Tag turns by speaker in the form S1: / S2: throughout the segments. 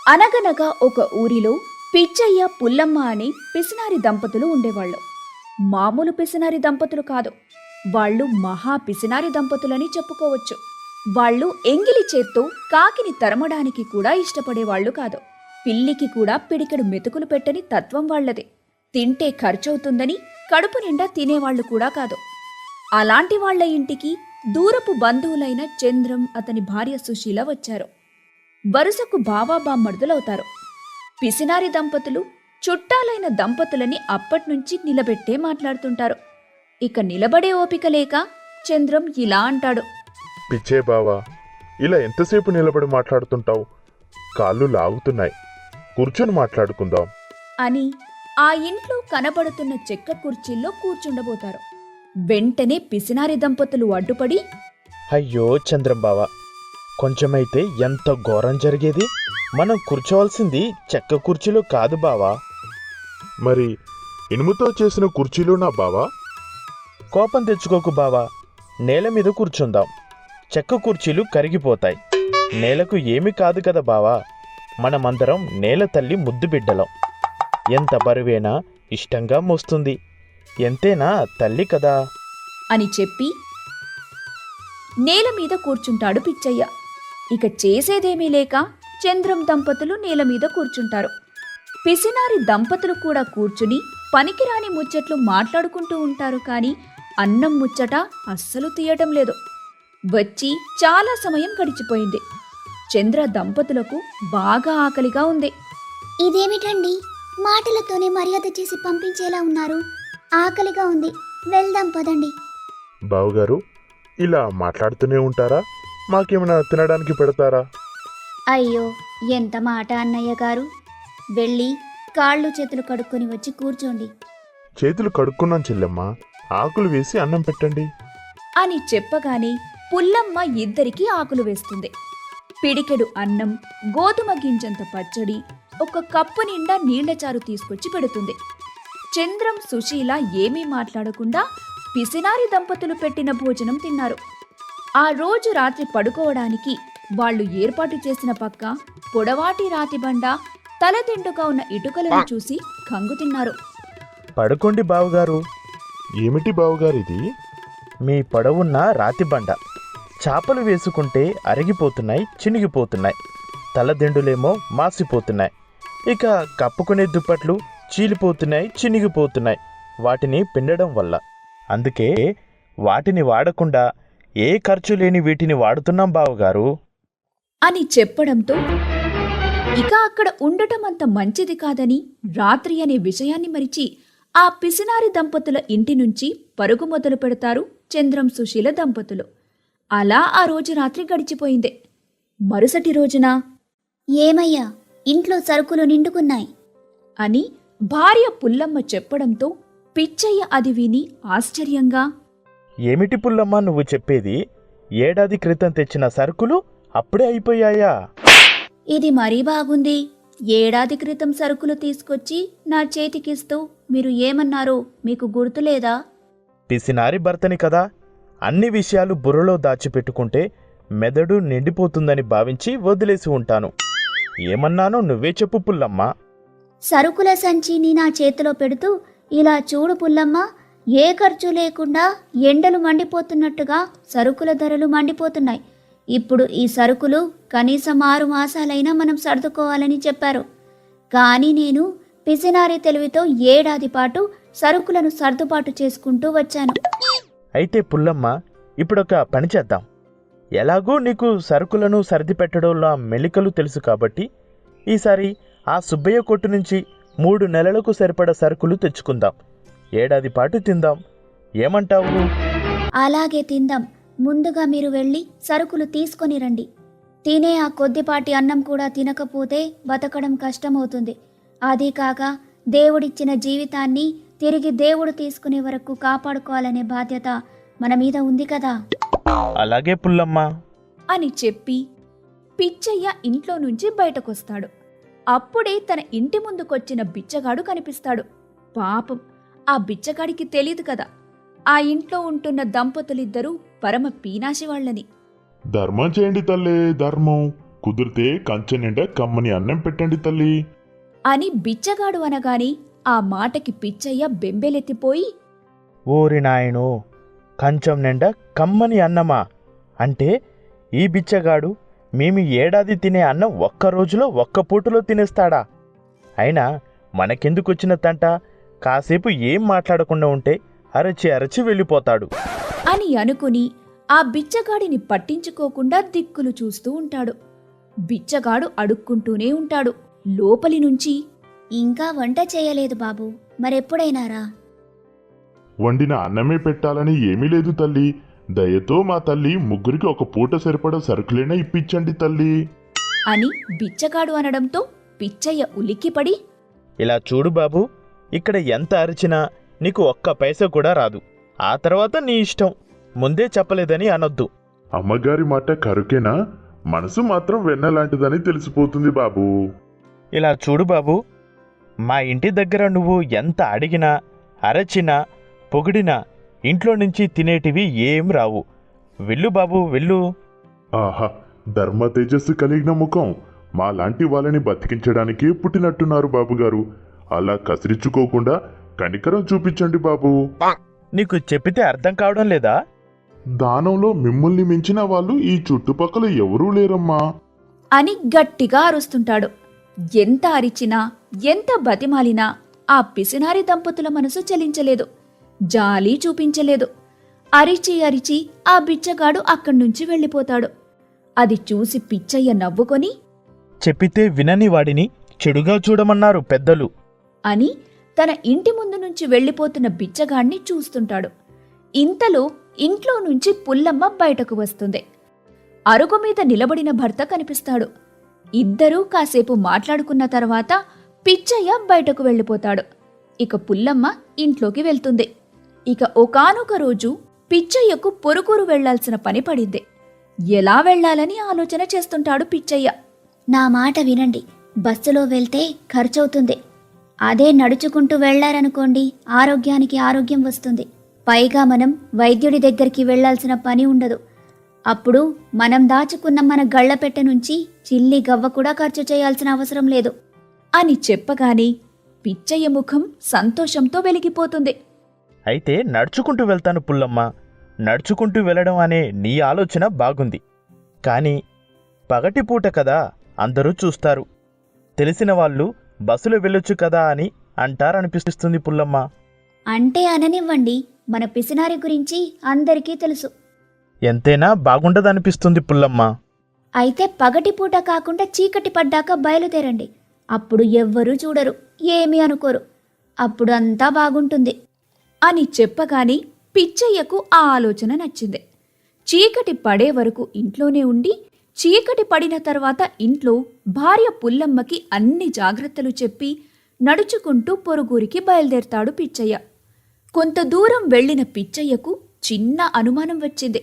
S1: అనగనగా ఒక ఊరిలో పిచ్చయ్య పుల్లమ్మ అనే పిసినారి దంపతులు ఉండేవాళ్ళు. మామూలు పిసినారి దంపతులు కాదు, వాళ్ళు మహా పిసినారి దంపతులని చెప్పుకోవచ్చు. వాళ్ళు ఎంగిలి చేత్తో కాకిని తరమడానికి కూడా ఇష్టపడేవాళ్లు కాదు. పిల్లికి కూడా పిడికెడు మెతుకులు పెట్టని తత్వం వాళ్లదే. తింటే ఖర్చవుతుందని కడుపు నిండా తినేవాళ్లు కూడా కాదు. అలాంటి వాళ్ల ఇంటికి దూరపు బంధువులైన చంద్రం, అతని భార్య సుశీల వచ్చారు. వరుసకు బావా బామ్మర్దులవుతారు. పిసినారి దంపతులు చుట్టాలైన దంపతులని అప్పట్నుంచి నిలబెట్టే మాట్లాడుతుంటారు. ఇక నిలబడే ఓపిక లేక చంద్రం ఇలా అంటాడు.
S2: పిచ్చే బావా, ఇలా ఎంతసేపు నిలబడి మాట్లాడుతుంటావు? కాళ్ళు లాగుతున్నాయి, కూర్చొని మాట్లాడుకుందాం
S1: అని ఆ ఇంట్లో కనబడుతున్న చెక్క కుర్చీల్లో కూర్చుండబోతారు. వెంటనే పిసినారి దంపతులు అడ్డుపడి,
S3: అయ్యో చంద్రం బావా, కొంచెమైతే ఎంత ఘోరం జరిగేది. మనం కూర్చోవాల్సింది చెక్క కుర్చీలో కాదు బావా.
S2: మరి ఇనుముతో చేసిన కుర్చీలు నా బావా?
S3: కోపం తెచ్చుకోకు బావా, నేల మీద కూర్చుందాం. చెక్క కుర్చీలు కరిగిపోతాయి. నేలకు ఏమీ కాదు కదా బావా. మనమందరం నేల తల్లి ముద్దు బిడ్డలం. ఎంత బరువేనా ఇష్టంగా మోస్తుంది. ఎంతేనా తల్లి కదా
S1: అని చెప్పి నేల మీద కూర్చుంటాడు పిచ్చయ్య. ఇక చేసేదేమీ లేక చంద్రం దంపతులు నేల మీద కూర్చుంటారు. పిసినారి దంపతులు కూడా కూర్చుని పనికిరాని ముచ్చట్లు మాట్లాడుకుంటూ ఉంటారు. కాని అన్నం ముచ్చట అస్సలు తీయటం లేదు. వచ్చి చాలా సమయం గడిచిపోయింది. చంద్ర దంపతులకు బాగా ఆకలిగా ఉంది.
S4: ఇదేమిటండి, మాటలతోనే మర్యాద చేసి పంపించేలా ఉన్నారు? ఆకలిగా ఉంది, వెళ్దాం పదండి.
S2: బావగారు, ఇలా మాట్లాడుతూనే ఉంటారా? మాకేమైనా తినడానికి పెడతారా?
S4: అయ్యో, ఎంత మాట అన్నయ్య గారు. వెళ్ళి కాళ్ళు చేతులు కడుక్కొని వచ్చి కూర్చోండి.
S2: చేతులు కడుక్కున్నాం చెల్లెమ్మ, ఆకులు వేసి అన్నం పెట్టండి
S1: అని చెప్పగానే పుల్లమ్మ ఇద్దరికీ ఆకులు వేస్తుంది. పిడికెడు అన్నం, గోధుమ గింజంత పచ్చడి, ఒక కప్పు నిండా నీళ్లచారు తీసుకొచ్చి పెడుతుంది. చంద్రం, సుశీల ఏమీ మాట్లాడకుండా పిసినారి దంపతులు పెట్టిన భోజనం తిన్నారు. ఆ రోజు రాత్రి పడుకోవడానికి వాళ్లు ఏర్పాటు చేసిన పక్క పొడవాటి రాతిబండ, తలదిండుగా ఉన్న ఇటుకలను చూసి కంగుతిన్నారు.
S3: పడుకోండి బావగారు.
S2: ఏమిటి బావగారిది?
S3: మీ పొడవున్న రాతి బండ. చాపలు వేసుకుంటే అరిగిపోతున్నాయి, చినిగిపోతున్నాయి. తలదిండులేమో మాసిపోతున్నాయి. ఇక కప్పుకునే దుప్పట్లు చీలిపోతున్నాయి, చినిగిపోతున్నాయి వాటిని పిండడం వల్ల. అందుకే వాటిని వాడకుండా ఏ ఖర్చు లేని వీటిని వాడుతున్నాం బావగారు
S1: అని చెప్పడంతో ఇక అక్కడ ఉండటం అంత మంచిది కాదని రాత్రి అనే విషయాన్ని మరిచి ఆ పిసినారి దంపతుల ఇంటి నుంచి పరుగు మొదలు పెడతారు చంద్రం, సుశీల దంపతులు. అలా ఆ రోజు రాత్రి గడిచిపోయింది. మరుసటి రోజున
S4: ఏమయ్యా, ఇంట్లో సరుకులు నిండుకున్నాయి
S1: అని భార్య పుల్లమ్మ చెప్పడంతో పిచ్చయ్య అది విని ఆశ్చర్యంగా,
S3: ఏమిటి పుల్లమ్మ నువ్వు చెప్పేది? ఏడాది క్రితం తెచ్చిన సరుకులు అప్పుడే అయిపోయాయా?
S4: ఇది మరీ బాగుంది. ఏడాది క్రితం సరుకులు తీసుకొచ్చి నా చేతికిస్తూ మీరు ఏమన్నారో మీకు గుర్తులేదా?
S3: పిసినారి భర్తని కదా, అన్ని విషయాలు బుర్రలో దాచిపెట్టుకుంటే మెదడు నిండిపోతుందని భావించి వదిలేసి ఉంటాను. ఏమన్నానో నువ్వే చెప్పు పుల్లమ్మ.
S4: సరుకుల సంచిని నా చేతిలో పెడుతూ, ఇలా చూడు పుల్లమ్మ, ఏ ఖర్చు లేకుండా ఎండలు మండిపోతున్నట్టుగా సరుకుల ధరలు మండిపోతున్నాయి. ఇప్పుడు ఈ సరుకులు కనీసం 6 మాసాలైనా మనం సర్దుకోవాలని చెప్పారు. కానీ నేను పిసినారి తెలివితో ఏడాది పాటు సరుకులను సర్దుబాటు చేసుకుంటూ వచ్చాను.
S3: అయితే పుల్లమ్మ, ఇప్పుడొక పని చేద్దాం. ఎలాగూ నీకు సరుకులను సర్ది పెట్టడంలో మెలికలు తెలుసు కాబట్టి ఈసారి ఆ సుబ్బయ్య కొట్టు నుంచి 3 నెలలకు సరిపడ సరుకులు తెచ్చుకుందాం. ఏడాది పాటు తిందాం. ఏమంటావు?
S4: అలాగే తిందాం. ముందుగా మీరు వెళ్ళి సరుకులు తీసుకొని రండి. తినే ఆ కొద్దిపాటి అన్నం కూడా తినకపోతే బతకడం కష్టమవుతుంది. అదీ కాక దేవుడిచ్చిన జీవితాన్ని తిరిగి దేవుడు తీసుకునే వరకు కాపాడుకోవాలనే బాధ్యత మన మీద ఉంది కదా.
S3: అలాగే పుల్లమ్మ
S1: అని చెప్పి పిచ్చయ్య ఇంట్లో నుంచి బయటకొస్తాడు. అప్పుడే తన ఇంటి ముందుకొచ్చిన బిచ్చగాడు కనిపిస్తాడు. పాపం, ఆ బిచ్చగాడికి తెలీదు కదా ఆ ఇంట్లో ఉంటున్న దంపతులిద్దరూ పరమ పీనాశి వాళ్ళని.
S2: ధర్మం చేయండి తల్లే, ధర్మం. కుదిరితే కంచె నిండా కమ్మని అన్నం పెట్టండి తల్లి.
S1: అని బిచ్చగాడు అనగాని ఆ మాటకి పిచ్చయ్య బెంబేలెత్తిపోయి,
S3: ఓరి నాయనో, కంచం నిండా కమ్మని అన్నమా? అంటే ఈ బిచ్చగాడు మేము ఏడాది తినే అన్నం ఒక్క రోజులో ఒక్క పూటలో తినేస్తాడా? అయినా మనకెందుకొచ్చిన తంట? కాసేపు ఏం మాట్లాడకుండా ఉంటే అరచి అరచి వెళ్ళిపోతాడు
S1: అని అనుకుని ఆ బిచ్చగాడిని పట్టించుకోకుండా దిక్కులు చూస్తూ ఉంటాడు. బిచ్చగాడు అడుక్కుంటూనే ఉంటాడు. లోపలి నుంచి,
S4: ఇంకా వంట చేయలేదు బాబు, మరెప్పుడైనారా?
S2: వండిన అన్నమే పెట్టాలని ఏమీ లేదు తల్లి. దయతో మా తల్లి ముగ్గురికి ఒక పూట సరిపడా సరుకులైనా ఇప్పించండి తల్లి.
S1: అని బిచ్చగాడు అనడంతో పిచ్చయ్య ఉలిక్కిపడి,
S3: ఇలా చూడు బాబు, ఇక్కడ ఎంత అరిచినా నీకు ఒక్క పైసా కూడా రాదు. ఆ తర్వాత నీ ఇష్టం, ముందే చెప్పలేదని అనొద్దు.
S2: అమ్మగారి మాట కరుకేనా? మనసు మాత్రం వెన్నలాంటిదని తెలిసిపోతుంది బాబు.
S3: ఇలా చూడు బాబు, మా ఇంటి దగ్గర నువ్వు ఎంత అడిగినా అరచినా పొగిడినా ఇంట్లో నుంచి తినేటివి ఏం రావు. వెళ్ళు బాబు, వెళ్ళు.
S2: ఆహా, ధర్మ తేజస్సు కలిగిన ముఖం. మా లాంటి వాళ్ళని బతికించడానికే పుట్టినట్టున్నారు బాబుగారు. అలా కసిరించుకోకుండా కనికరం చూపించండి బాబు.
S3: నీకు చెప్పితే అర్థం కావడం లేదా?
S2: దానంలో మిమ్మల్ని మించిన వాళ్ళు ఈ చుట్టుపక్కల ఎవరూ లేరమ్మా.
S1: అని గట్టిగా అరుస్తుంటాడు. ఎంత అరిచినా ఎంత బతిమాలినా ఆ పిసినారి దంపతుల మనసు చలించలేదు, జాలి చూపించలేదు. అరిచి అరిచి ఆ బిచ్చగాడు అక్కడ్నుంచి వెళ్ళిపోతాడు. అది చూసి పిచ్చయ్య నవ్వుకొని,
S3: చెప్పితే వినని వాడిని చెడుగా చూడమన్నారు పెద్దలు
S1: అని తన ఇంటి ముందు నుంచి వెళ్ళిపోతున్న బిచ్చగాడిని చూస్తుంటాడు. ఇంతలో ఇంట్లో నుంచి పుల్లమ్మ బయటకు వస్తుంది. అరుగు మీద నిలబడిన భర్త కనిపిస్తాడు. ఇద్దరూ కాసేపు మాట్లాడుకున్న తర్వాత పిచ్చయ్య బయటకు వెళ్ళిపోతాడు. ఇక పుల్లమ్మ ఇంట్లోకి వెళ్తుంది. ఇక ఒకానొక రోజు పిచ్చయ్యకు పొరుగురు వెళ్లాల్సిన పని పడింది. ఎలా వెళ్లాలని ఆలోచన చేస్తుంటాడు పిచ్చయ్య.
S4: నా మాట వినండి, బస్సులో వెళ్తే ఖర్చవుతుంది. అదే నడుచుకుంటూ వెళ్లారనుకోండి, ఆరోగ్యానికి ఆరోగ్యం వస్తుంది. పైగా మనం వైద్యుడి దగ్గరికి వెళ్లాల్సిన పని ఉండదు. అప్పుడు మనం దాచుకున్న మన గళ్లపెట్టె నుంచి చిల్లి గవ్వ కూడా ఖర్చు చేయాల్సిన అవసరం లేదు
S1: అని చెప్పగానే పిచ్చయ్య ముఖం సంతోషంతో వెలిగిపోతుంది.
S3: అయితే నడుచుకుంటూ వెళ్తాను పుల్లమ్మ. నడుచుకుంటూ వెళ్ళడం అనే నీ ఆలోచన బాగుంది. కానీ పగటిపూట కదా అందరూ చూస్తారు. తెలిసిన వాళ్ళు బస్సులో వెళ్ళొచ్చు కదా అని అంటారనిపిస్తుంది పుల్లమ్మ.
S4: అంటే అననివ్వండి, మన పిసినారి గురించి అందరికీ తెలుసు.
S3: ఎంతైనా బాగుండదనిపిస్తుంది పుల్లమ్మ.
S4: అయితే పగటిపూట కాకుండా చీకటి పడ్డాక బయలుదేరండి. అప్పుడు ఎవ్వరూ చూడరు, ఏమీ అనుకోరు. అప్పుడు అంతా బాగుంటుంది
S1: అని చెప్పగానే పిచ్చయ్యకు ఆ ఆలోచన నచ్చింది. చీకటి పడే వరకు ఇంట్లోనే ఉండి, చీకటి పడిన తర్వాత ఇంట్లో భార్య పుల్లమ్మకి అన్ని జాగ్రత్తలు చెప్పి నడుచుకుంటూ పొరుగురికి బయలుదేరతాడు పిచ్చయ్య. కొంత దూరం వెళ్లిన పిచ్చయ్యకు చిన్న అనుమానం వచ్చింది.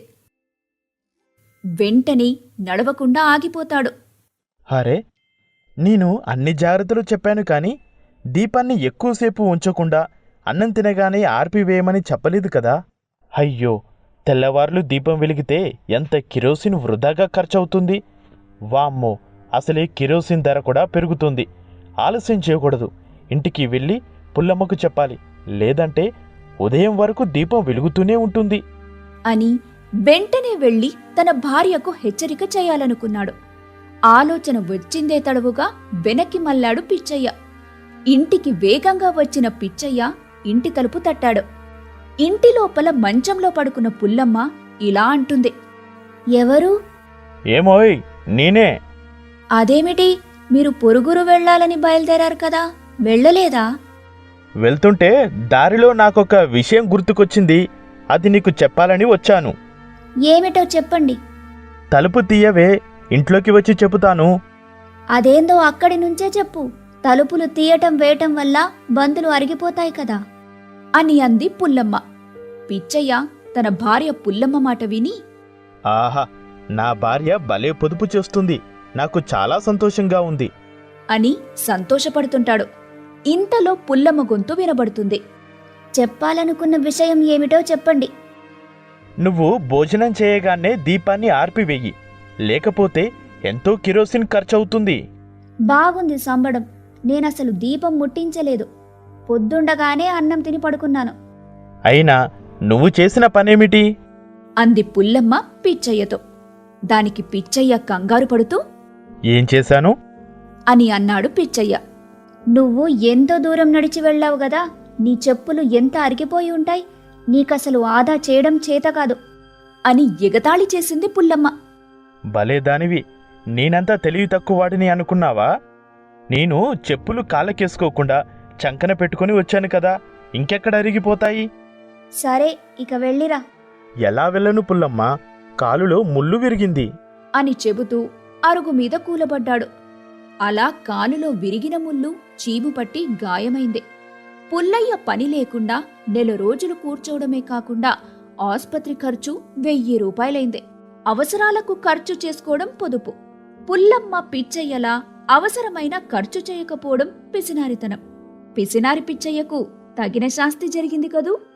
S1: వెంటనే నడవకుండా ఆగిపోతాడు.
S3: అరే, నేను అన్ని జాగ్రత్తలు చెప్పాను కానీ దీపాన్ని ఎక్కువసేపు ఉంచకుండా అన్నం తినగానే ఆర్పివేయమని చెప్పలేదు కదా. అయ్యో, తెల్లవార్లు దీపం వెలిగితే ఎంత కిరోసిన్ వృధాగా ఖర్చవుతుంది. వామ్మో, అసలే కిరోసిన్ ధర కూడా పెరుగుతుంది. ఆలస్యం చేయకూడదు. ఇంటికి వెళ్ళి పుల్లమ్మకు చెప్పాలి, లేదంటే ఉదయం వరకు దీపం వెలుగుతూనే ఉంటుంది
S1: అని వెంటనే వెళ్లి తన భార్యకు హెచ్చరిక చేయాలనుకున్నాడు. ఆలోచన వచ్చిందే తడవుగా వెనక్కి మళ్ళాడు పిచ్చయ్య. ఇంటికి వేగంగా వచ్చిన పిచ్చయ్య ఇంటి తలుపు తట్టాడు. ఇంటి లోపల మంచంలో పడుకున్న పుల్లమ్మ ఇలా అంటుంది.
S4: ఎవరు?
S3: ఏమోయ్, నేనే.
S4: అదేమిటి, మీరు పొరుగురు వెళ్లాలని బయలుదేరారు కదా, వెళ్ళలేదా?
S3: వెళ్తుంటే దారిలో నాకొక విషయం గుర్తుకొచ్చింది. అది నీకు చెప్పాలని వచ్చాను.
S4: ఏమిటో చెప్పండి.
S3: తలుపు తీయవే, ఇంట్లోకి వచ్చి చెబుతాను.
S4: అదేందో అక్కడి నుంచే చెప్పు. తలుపులు తీయటం వేయటం వల్ల బంతులు అరిగిపోతాయి కదా
S1: అని అంది పుల్లమ్మ. పిచ్చయ్య తన భార్య పుల్లమ్మ మాట విని,
S3: ఆహా, నా భార్య భలే పొదుపు చేస్తుంది, నాకు చాలా సంతోషంగా ఉంది
S1: అని సంతోషపడుతుంటాడు. ఇంతలో పుల్లమ్మ గొంతు వినబడుతుంది.
S4: చెప్పాలనుకున్న విషయం ఏమిటో చెప్పండి.
S3: నువ్వు భోజనం చేయగానే దీపాన్ని ఆర్పివేయి, లేకపోతే ఎంతో కిరోసిన్ ఖర్చవుతుంది.
S4: బాగుంది సంబడం. నేనసలు దీపం ముట్టించలేదు. పొద్దుండగానే అన్నం తిని పడుకున్నాను.
S3: అయినా నువ్వు చేసిన పనేమిటి?
S1: అంది పుల్లమ్మ పిచ్చయ్యతో. దానికి పిచ్చయ్య కంగారు పడుతూ
S3: ఏం చేశాను
S1: అని అన్నాడు పిచ్చయ్య.
S4: నువ్వు ఎంతో దూరం నడిచి వెళ్ళావు గదా, నీ చెప్పులు ఎంత అరిగిపోయి ఉంటాయి. నీకసలు ఆదా చేయడం చేత కాదు
S1: అని ఎగతాళి చేసింది పుల్లమ్మ.
S3: భలే దానివి, నేనంతా తెలివి తక్కువవాడిని అనుకున్నావా? నేను చెప్పులు కాళ్ళకేసుకోకుండా చంకన పెట్టుకుని వచ్చాను కదా, ఇంకెక్కడ అరిగిపోతాయి?
S4: సరే, ఇక వెళ్ళిరా.
S3: ఎలా వెళ్ళను పుల్లమ్మ, కాలులో ముళ్ళు విరిగింది
S1: అని చెబుతూ అరుగు మీద కూలబడ్డాడు. అలా కాలులో విరిగిన ముళ్ళు చీము పట్టి గాయమైంది. పుల్లయ్య పని లేకుండా 4 రోజులు కూర్చోవడమే కాకుండా ఆస్పత్రి ఖర్చు 1000 రూపాయలైంది. అవసరాలకు ఖర్చు చేసుకోవడం పొదుపు. పుల్లమ్మ పిచ్చయ్యలా అవసరమైన ఖర్చు చేయకపోవడం పిసినారితనం. పిసినారి పిచ్చయ్యకు తగిన శాస్తి జరిగింది కదూ.